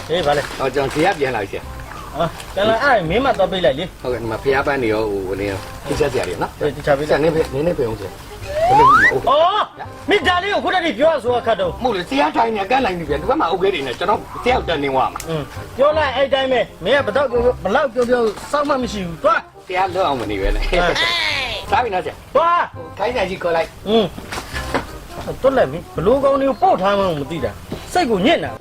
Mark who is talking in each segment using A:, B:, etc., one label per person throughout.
A: အေးဗါလေ
B: ကျွန်တော်ဇေယျပြန်လာပြီဆရာ
A: ပြန်လာအဲ့မင်းမတော့ပြေးလိုက်လေ
B: ဟုတ်ကဲ့ဒီမှာဖျားပန်းနေရောဟိုနေရောတိကျဆရာတွေနော်
A: အေးတိကျပြေးလိုက်
B: နင်းဖေအောင်ဆရာဘယ်လိုလဲ
A: အော်မိသားလေးကိုခုတည်းပြောဆိုခတ်တော့
B: မဟုတ်လေဆရာထိုင်နေကန်းလိုက်နေပြန်ဒီဘက်မှာအုပ်ကလေးတွေနဲ့ကျွန်တော်ဆရာတက်နေသွားမှာ
A: ပြောလိုက်အဲ့တိုင်းပဲမင်းကဘလောက်ပြောစောက်မှမရှိဘူးသွား
B: ဆရာလွတ်အောင်မနေပဲလေစားပြီနော်ဆရာ
A: သွား
B: ခိုင်းဆိုင်ကြီးခေါ်လိုက်
A: တွတ်လိုက်ပြီဘလို့ကောင်းတွေကိုပို့ထားမှမသိတာစိတ်ကိုညစ်နေတာ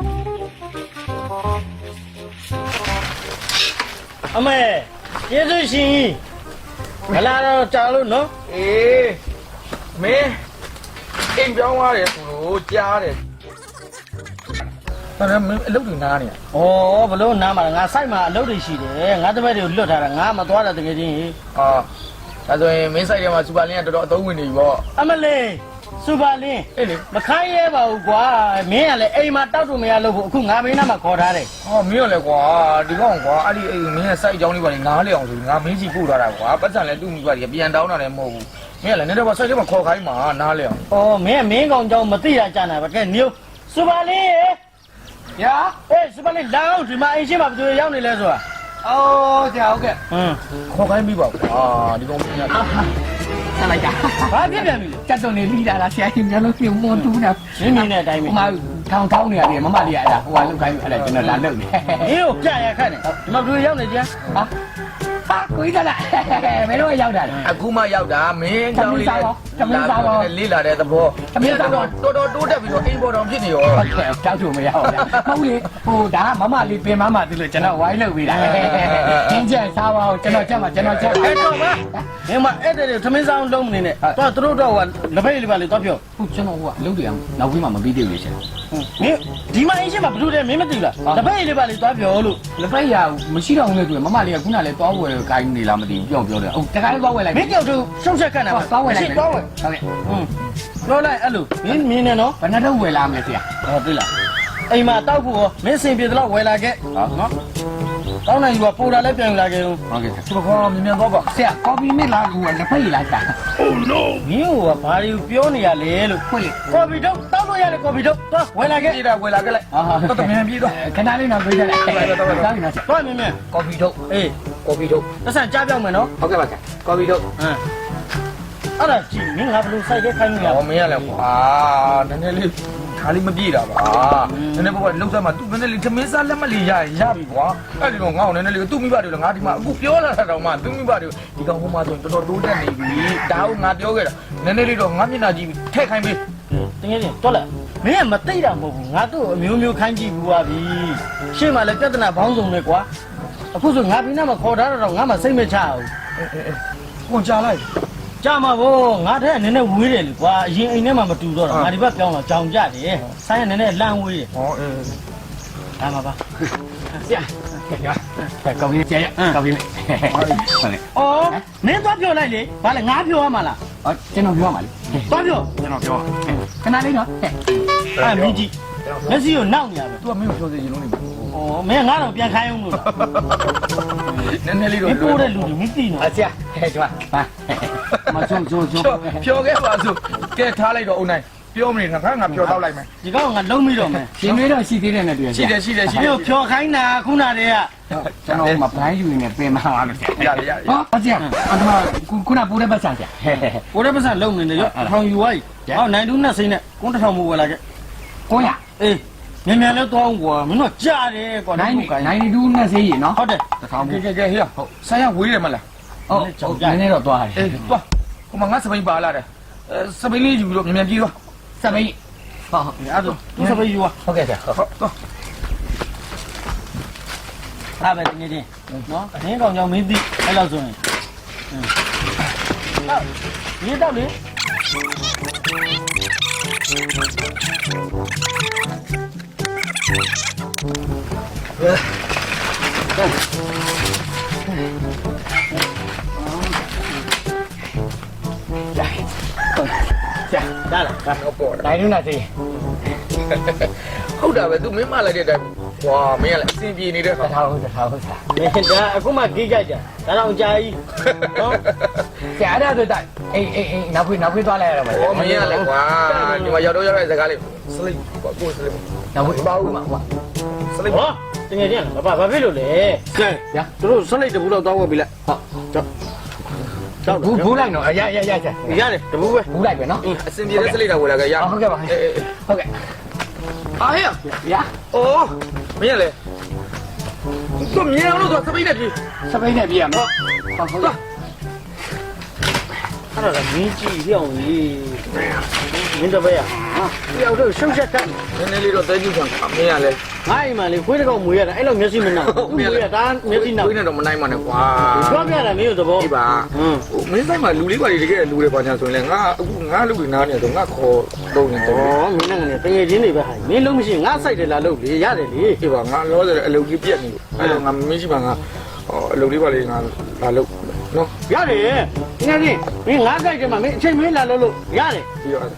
A: အမေကျေးဇူးရှင်မလာတော့ကြာလို့နော်
C: အေးမင်းအိမ်ပြောင်းသွားတယ်ဆိုလို့ကြားတယ်ဒါနဲ့မင်းအလုပ်တွေနားနေ
A: ဩဘလို့နားမှာငါစိုက်မှာအလုပ်တွေရှိတယ်ငါတပည့်တွေကိုလွတ်ထားတာငါမသွားတာတကယ်ချင်း
C: ဟာဒါဆိုရင်မင်းစိုက်ထဲမှာစူပါလင်းကတော်တော်အသုံးဝင်နေပြီပေါ့
A: အမလေးစူပါလင်း
C: အေးလေ
A: မခိုင်းရဲပါဘူးကွာမင်းကလည်းအိမ်မှာတောက်တူမရလို့ဘူးအခုငါမင်းနားမှာခေါ်ထားတယ်
C: ဟောမင်းရောလေကွာဒီကောင်ကွာအဲ့ဒီအိမ်မင်းရဲ့စိုက်အကြောင်းလေးပါလေနားလေအောင်ဆိုငါမင်းကြီးပို့ထားတာကွာပတ်စံလည်းတူမိပါလေပြန်တောင်းတာလည်းမဟုတ်ဘူးမင်းကလည်းနေတော့စိုက်ထဲမှာခေါ်ခိုင်းမှာနားလေအောင်
A: ဩမင်းကောင်ကြောင့်မသိတာကြာနာပါကဲမျိုးစူပါလင်း
B: ရာ
A: အေးစူပါလင်းလာအောင်ဒီမှာအိမ်ရှိမှာဘယ်လိုရောက်နေလဲဆိုတာ
B: အော်ဆရာဟုတ်ကဲ့
C: ခေါ်ခိုင်းပြီပါကွာဒီကောင်မင်းက
B: ဆက်လိုက်တာ
A: ဘာဖြစ်ပြန်ပြီလဲ
B: တက်တုံနေလိတာလားဆရာကြီးမျိုးလုံးပြုံမွန်တူးတာ
A: မင်းနေတဲ့အတိုင်းပဲ
B: ဟိုမှာထောင်းနေရတယ်မမလေးကအဲ့ဒါဟိုကလုတ်ခိုင်းအဲ့ဒါကျွန်တော်လာလုတ်နေ
A: မင်းကိုပြရခတ်နေဒီမှာဘယ်လိုရောက်နေကြ
B: ဟာကိုကြီးကလားမင်းတို့ရောက်တာ
C: အခုမှရောက်တာမင်းကြောင်းလေးလေးလာတဲ့သဘော
B: သမီးစားတော့
C: တော်တိုးတက်ပြီးတော့အိမ်ပေါ်တော်ဖြစ်နေရော
B: ဟုတ်ကဲ့တောက်ချုံမရဘူးလားမဟုတ်လေဟိုဒါမမလေးပင်မမသူလို့ကျွန်တော်ဝိုင်းလုပ်ပေးတာကျင်းကျက်စားပါဦးကျွန်တော်ချက်
A: အဲ့တော့ပါမင်းမအဲ့တဲ့သမင်းစားလုံးမနေနဲ့တော့သူတို့တော့ဟိုလက်ဖိတ်လေးပါလေတော့ပြော
B: ဟုတ်ကျွန်တော်ဟိုကအလုပ်တွေအောင်နောက်ပြီးမှမပြီးသေးဘူးရှင်
A: မင်းဒီမှာအင်းရှိမှာဘယ်လိုလဲမင်းမသိဘူးလားလက်ဖိတ်လေးပါလေတော့ပြောလို့
B: လက်ဖိတ်ရမရှိတော့ဘူးလေသူမမလေးကခုနလည်းတောဝယ်ခိုင်းနေလားမသိဘူးပြောတယ်ဟုတ်တခါလေးတောဝယ်လိုက်
A: မင်းကြောက်သူရှုပ်ချက်ခတ်နေပါ
B: တောဝယ်လိုက်
A: တောဝယ်
B: ဟုတ်ကဲ့
A: ပြောလိုက်အဲ့လိုမင်းနေနော်
B: ဘယ်နှတော့ဝယ်လာမလဲဆရာ
A: ဟောသိလားအိမ်မှာတောက်ဖို့ရောမင်းစင်ပြေတော့ဝယ်လာခဲ့နော်တောင်းနိုင်ယူကပိုတာလည်းပြန်လာခဲ့ဦး
B: ဟုတ်ကဲ့
C: ဒီကောမြင်တော့ပါ
B: ဆရာကော်ဖီမစ်လာကူလက်ဖိတ်လာတာ
A: Oh no မင်းကဘာတွေပြောနေရလဲလို့
B: ဟုတ်လေ
A: ကော်ဖီတော့တောက်လို့ရတယ်ကော်ဖီတော့သွားဝယ်လာခဲ့
C: ပြေးတာဝယ်လာခဲ့လိုက်တော့တမန်ပြေးတော့
B: ခဏလေးတော့ပြေးကြလိုက်တောင်းနေတော့
A: သွားမြင်
B: ကော်ဖီတော့
A: အေး
B: ကော်ဖီတော့
A: တဆန်ကြားပြောင်းမယ်နော်
B: ဟုတ်ကဲ့ပါကော်ဖီတော့
A: အဲ့ဒါကြည့်မင်းငါဘယ်လိုစိုက်ခဲ့ခိုင်းနေရ
C: မင်းရလဲကွာနည်းနည်းလေးခါလေးမပြေးတာပါနည်းနည်းပေါ့လောက်စားမှသူနည်းနည်းလေးသမင်းစားလက်မလေးရပြီကွာအဲ့ဒီတော့ငါ့ကိုနည်းနည်းလေးသူ့မိဘတွေလည်းငါဒီမှာအခုပြောလာတာတော့မှသူ့မိဘတွေဒီကောင်ဟိုမှာဆိုရင်တော်တော်တိုးတက်နေပြီဒါကိုငါပြောခဲ့တာနည်းနည်းလေးတော့ငါမျက်နှာကြည့်ထည့်ခိုင်းပေး
A: တကယ်ချင်းတော်လားမင်းကမသိတာမဟုတ်ဘူးငါတို့အမျိုးမျိုးခိုင်းကြည့်ဘူးပါပြီရှေ့မှာလည်းပြဿနာဘောင်းစုံလေကွာအခုဆိုငါပြင်းနဲ့မခေါ်ထားတော့ငါမှစိတ်မချဘူး
C: ကိုကြားလိုက်
A: ကြမှာဗောငါတဲ့နည်းနည်းဝေးတယ်လေကွာအရင်အိမ်ထဲမှာမတူတော့ငါဒီဘက်ပြောင်းတော့ကြောင်ကြတယ်ဆိုင်ကနည်းနည်းလန့်ဝေးတယ်
C: ဟောအေး
A: ဒါမှပါ
B: ဆရာကော်ဖီကျဲကော်ဖီလေး
A: ဟုတ်လေအော်မင်းသွားပြောလိုက်လေဘာလဲငါပြောရမှာလား
B: ဟောကျွန်တော်ပြောရမှာလေ
A: သွားပြော
B: ကျွန်တော်ပြောခဏလေးနော်
A: အဲ့မင်းကြီးမျက်စိကိုနောက်နေရပဲ
C: तू ကမင်းကိုပြောစေချင်လို့နေပြီ
A: ဩမင်းငါတော့ပြန်ခိုင်းအောင်လို့
C: နည်းနည်းလေးတော့
A: ပိုးတဲ့လူတွေမသိနော်
B: ဆရာကျွန်မမချုံ
C: ဖြောခဲ့ပါစို့ကဲထားလိုက်တော့အုံနိုင်ပြောမနေနဲ့ငါဖြောတော့လိုက်မယ်
A: ဒီကောင်ကလုံးပြီးတော့မယ်
B: ရှင်မေးတော့ရှိသေးတယ်နဲ့တွေ့
C: ရှိတယ်
A: ဖြောခိုင်းတာခုနတည်းက
B: ကျွန်တော်မပန်းယူနေပြင်မှာပါလို့
C: ရ
B: ဟောဆရာအတမခုနပိုးတဲ့ပတ်စံဆရာ
A: ပိုးတဲ့ပတ်စံလုံးနေတယ်ရောထောင်ယူသွားပြီဟောနိုင်တူးနဲ့စိမ့်နဲ့ကုန်းတစ်ထောင်မို့ဝယ်လာခဲ့
B: 900
A: အေးမြန်မြန်လည်းသွားအောင်ကွာမင်းတို့ကြားတယ်ကွာ
B: 92နဲ့စေးရင်နော်
A: ဟုတ်တယ်
C: တစ်ထောင်ကဲဟေ့ဟုတ်ဆိုင်ရဝေးတယ်မလား
B: ဟုတ်နည်းနည်းတော့သွားတယ်
C: အေးသွားဟိုမှာငါစပိန်ပါလာတယ်စပိန်လေးယူလို့မြန်မြန်ပြေးသွား
B: စပိန်
A: ဟုတ်အဲ့ဒါသူစပိန်ယူ
B: ဟုတ်ကဲ့ဆရာ
C: ဟုတ်သွား
A: အားပဲတင်းတင်းနော်အင်းကောင်ကြောင့်မင်းသိအဲ့လောက်ဆိုရင်ဟုတ်ဒီတော့လေဒါလား
C: တော့ပေါ်တယ်
B: နိုင်လို့လားစေး
C: ဟုတ်တာပဲ तू မင်းမလိုက်တဲ့အတိုင်းဝါမင်းကလည်းအစင်ပြေနေတဲ့ခါ
B: တထားဟုတ်
A: မင်းဒါအခုမှကြီးကြကြဒါတော့ကြာကြီးနော်
B: ဆရာအဲ့ဒါဆိုတိုင်းအေးနောက်ခွေးသွားလိုက်ရတော့မယ်
C: မင်းကလည်းကွာဒီမှာရောက်တဲ့စကားလေးစလိပ်ကိုစလိပ်
B: ဒါဝေးပါဦးမှာဟော
C: စလိတ်
A: ဟောတကယ်ချင်းဘာဖြစ်လို့လဲကဲဗျာသူတို့စလိတ်တဘူးတော့တောင်းဝက်ပြီလားဟုတ်ကြောက်
B: ဘူးလိုက်နော်ရ
A: ရတယ်တဘူးပဲ
B: ဘူးလိုက်ပဲနော်
C: အစင်ပြေတဲ့စလိတ်တာဝယ်လာကြရ
B: ဟုတ်ကဲ့ပါဟုတ်ကဲ့
C: အားရ
B: ရ
C: အော်မင်းလေသူမြင်အောင်လို့စပိတ်နဲ့ပြေ
B: စပိန်နဲ့ပြေးရမယ်ဟုတ်ကဲ့
A: အဲ့ဒါမင်းကြည့်ပြောင်းကြီးမင်းတပည့်ရဟာတယောက်တော့ရှုပ်ရှက်ကန်း
C: နည်းနည်းလေးတော့တဲကြည့်ခံမင်းရလေ
A: ငါအိမ်မှာလေခွေးတစ်ကောင်မွေးရတာအဲ့လိုမျက်စိမနှောက်ဘူးမွေးရတာမျက်စိနှောက်
C: ခွေးနဲ့တော့မနိုင်ပါနဲ့ကွာ
A: ပြောပြတာမင်းတို့သဘော
C: ဒီပါမင်းဆိုင်မှာလူလေးပါတကယ်လူတွေပါညာဆိုရင်လည်းငါအခုငါလူတွေနားနေတော့ငါခေါ်တော့နေတော့
A: ဩမင်းနဲ့ငါတကယ်ချင်းတွေပဲဟာမင်းလုံးမရှိငါစိုက်တယ်လားလုပ်လေရတယ်လေ
C: ဒီပါငါလောတယ်အလုပ်ကြီးပြက်နေလို့အဲ့တော့ငါမရှိပါငါအလုပ်လေးပါလေငါလာလုပ်နော်
A: ရတယ်တကယ်ချင်းမင်းငါစိုက်တယ်မှာမင်းအချိန်မင်းလာလို့ရတယ်
C: ပြီးတော့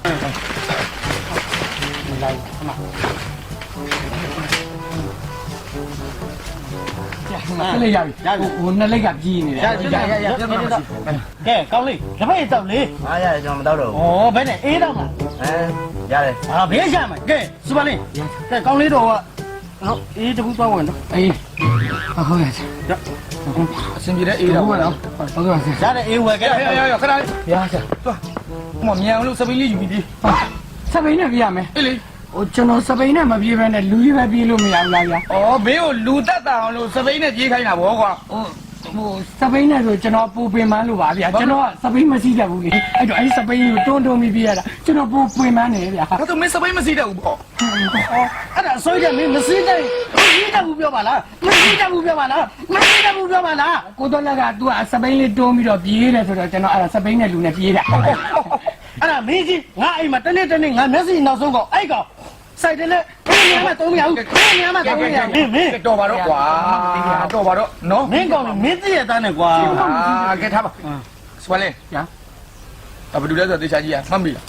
B: ခလေးရပြီဟိုနှစ်လက်ကပြေးနေတယ်
A: ကဲကောင်းလေးတပည့်တောက်လေ
D: အားရတယ်ကျွန်တော်မတော့တော့
A: ဩဘယ်နဲ့အေးတော့မှာ
D: ရတယ်
A: ဟာဘေးရမှာကဲစပါလင်းကဲကောင်းလေးတော့ဟုတ်အေးတခုသွားဝင်တော့
B: အေးဟုတ်ကဲ့
C: အစင်ပြေတဲ့အေးတော့
B: ဟုတ်ကဲ့နော်ဟုတ်ကဲ့
A: ရတယ်အေးဝယ်ကဲ
C: ရခဏလေး
B: ရစား
C: သွားဟိုမြန်အောင်လို့စပိတ်လေးယူပြီးပြေး
B: စပိန်နဲ့ပြေးရမယ်
C: အေးလေ
B: ဟိုကျွန်တော်စပိန်နဲ့မပြေးဘဲနဲ့လူကြီးပဲပြေးလို့မရဘူးလားဗျာ
C: ဩဘေးကိုလူတက်တာအောင်လို့စပိတ်နဲ့ပြေးခိုင်းတာဗောကွာ
B: ဟိုစပိန်နဲ့ဆိုကျွန်တော်ပူပင်မန်းလို့ပါဗျာကျွန်တော်ကစပိန်မရှိတတ်ဘူးလေအဲ့တော့အဲ့စပိန်ကိုတွန်းပြီးပြေးရတာကျွန်တော်ပူပင်မန်းနေဗျာ
C: ဒါဆိုမင်းစပိတ်မစီးတတ်ဘူးဗော
A: အဲ့ဒါအစိုးရမင်းမစည်းတဲ့မရှိတတ်ဘူးပြောပါလားမရှိတတ်ဘူးပြောပါလားမရှိတတ်ဘူးပြောပါလား
B: ကိုတော်လက်က तू ကစပိန်လေးတွန်းပြီးတော့ပြေးတယ်ဆိုတော့ကျွန်တော်အဲ့ဒါစပိန်နဲ့လူနဲ့ပြေးတာ
A: အဲ့ဒါမင်းကြီးငါအိမ်မှာတနေ့ငါမျက်စိနောက်ဆုံးကောင်အဲ့ကောင်စိုက်တယ်လေဘယ်နေရာမှာသုံးမရဘူးဘယ်နေရာမှာသုံးမရဘူးမင်း
C: တော်ပါတော့ကွာတော်ပါတော့နော်
A: မင်းကောင်မင်းသိရတဲ့နဲ့ကွာ
C: ကဲထားပါစပလင်း
B: ညာ
C: ဘယ်လိုလဲဆိုတော့တေချာကြီးမှတ်ပြီ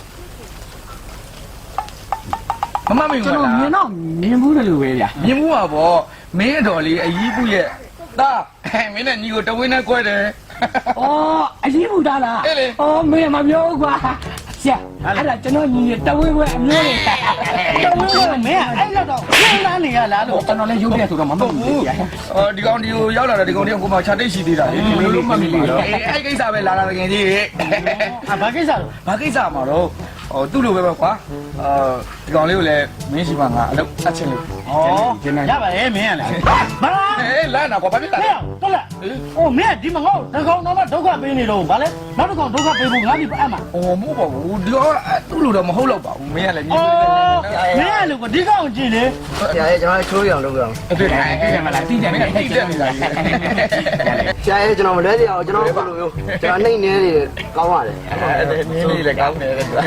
C: မမမင်း
B: ကျွန်
C: က
B: တော်
C: လား
B: မြင်တော့မြင်ဘူးတယ်လို့ပဲဗျာ
C: မြင်မှုပါဗောမင်းတော်လေးအကြီးပုရဲ့သားမင်းနဲ့ညီကိုတဝင်းနဲ့꿰တယ်
B: ။အော်အရေးဘူးသားလား
C: အေးလေ
B: ။အော်မင်းမပြောဘူးကွာ။ဆရာအဲ့ဒါကျွန်တော်ညီတဝင်းဝဲအမျိုးလေး
A: တော်မင်းကမင်းအဲ့တော့ခင်းလာနေရလားလို့
B: ကျွန်တော်လည်းရုပ်ပြဆိုတော့မမှတ်ဘူးဗျာ
C: ဒီကောင်ဒီကိုရောက်လာတာဒီကောင်ဒီကိုမှခြာတိတ်ရှိသေးတာလေဘယ်လိုမှတ်မိလို့အဲ့ကိစ္စပဲလာတာတကယ်ကြီး
A: ဘာကိစ္စလဲ
C: ဘာကိစ္စမှာတော့သူ့လိုပဲကွာဒီကောင်လေးကိုလည်းမင်းရှိမှငါအလုပ်အချင်းလို့
A: ဩရပါရဲ့မင်းကလည်းဘာ
C: လာနာကွာဘာဖြစ်တာ
A: ဟဲ့တော်လားအိုးမင်းဒီမငေါ့တကောင်တော့ဒုက္ခပေးနေတော့ဗာလဲနောက်တစ်ကောင်ဒုက္ခပေးဖို့ငါဒီအမှ
C: မဟုတ်ပါဘူးဒီကောင်သူ့လိုတော့မဟုတ်တော့ပါဘူးမင်းကလည်းညီ
A: အော်မင်းကလူကဒီကောင်ကြည့်လေ
D: ဆရာရဲ့ကျွန်တော်ချိုးရအောင်လုပ်ရအောင်
C: အဲ့ဒါ
B: ။အဲ့ဒါမလားသိတယ်မင်း
C: တိတက်နေတာကြီး
D: ဆရာရဲ့ကျွန်တော်မလွဲသေးအောင်ကျွန်တော်ဘယ်လိုမျိုးကျွန်တော်နှိမ့်နေနေကောင်းရတယ်
C: အဲ့နင်းလေးလည်းကောင်းတယ်ကွာ
D: ဒါ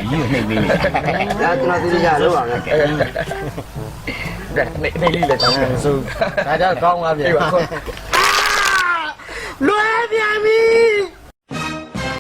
D: ကျွန်တော်သိကြလုပ်အောင်လေ
C: ဒါနေလေးလည်းကောင်းတယ်ဆို
D: ဒါကြောင့်ကောင်းပါဗျာ
A: လွယ်ပြန်ပြီ